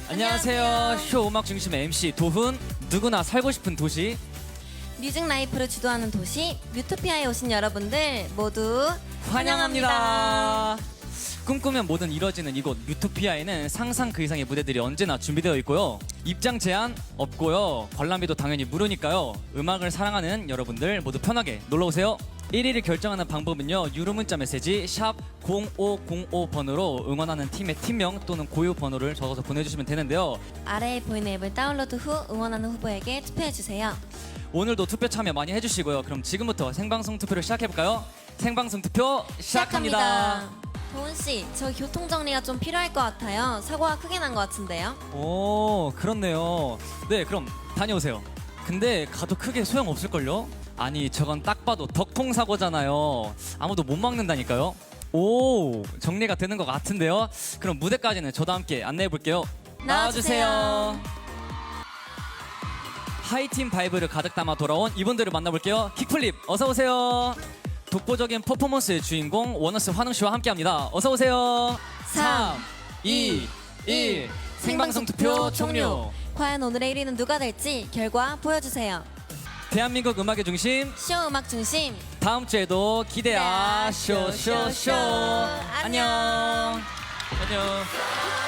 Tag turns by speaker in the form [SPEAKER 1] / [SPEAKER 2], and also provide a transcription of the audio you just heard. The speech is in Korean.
[SPEAKER 1] 안녕하세요. 쇼 음악 중심 MC 도훈. 누구나 살고 싶은 도시.
[SPEAKER 2] 뮤직 라이프를 주도하는 도시 뮤토피아에 오신 여러분들 모두
[SPEAKER 1] 환영합니다. 꿈꾸면 뭐든 이뤄지는 이곳 뮤토피아에는 상상 그 이상의 무대들이 언제나 준비되어 있고요. 입장 제한 없고요. 관람비도 당연히 무료니까요. 음악을 사랑하는 여러분들 모두 편하게 놀러오세요. 1위를 결정하는 방법은요. 유료 문자 메시지 샵 0505번으로 응원하는 팀의 팀명 또는 고유 번호를 적어서 보내주시면 되는데요.
[SPEAKER 2] 아래에 보이는 앱을 다운로드 후 응원하는 후보에게 투표해주세요.
[SPEAKER 1] 오늘도 투표 참여 많이 해주시고요. 그럼 지금부터 생방송 투표를 시작해볼까요? 생방송 투표 시작합니다.
[SPEAKER 2] 도훈씨, 저 교통정리가 좀 필요할 것 같아요. 사고가 크게 난 것 같은데요.
[SPEAKER 1] 오, 그렇네요. 네, 그럼 다녀오세요. 근데 가도 크게 소용없을걸요? 아니, 저건 딱 봐도 덕통 사고잖아요. 아무도 못 막는다니까요. 오, 정리가 되는 것 같은데요. 그럼 무대까지는 저도 함께 안내해볼게요. 나와주세요. 하이팀 바이브를 가득 담아 돌아온 이분들을 만나볼게요. 킥플립, 어서오세요. 독보적인 퍼포먼스의 주인공 원어스 환웅씨와 함께합니다. 어서오세요. 3, 2, 1 생방송 투표 종료.
[SPEAKER 2] 과연 오늘의 1위는 누가 될지 결과 보여주세요.
[SPEAKER 1] 대한민국 음악의 중심
[SPEAKER 2] 쇼 음악 중심
[SPEAKER 1] 다음 주에도 기대야 쇼쇼쇼. 안녕. 안녕.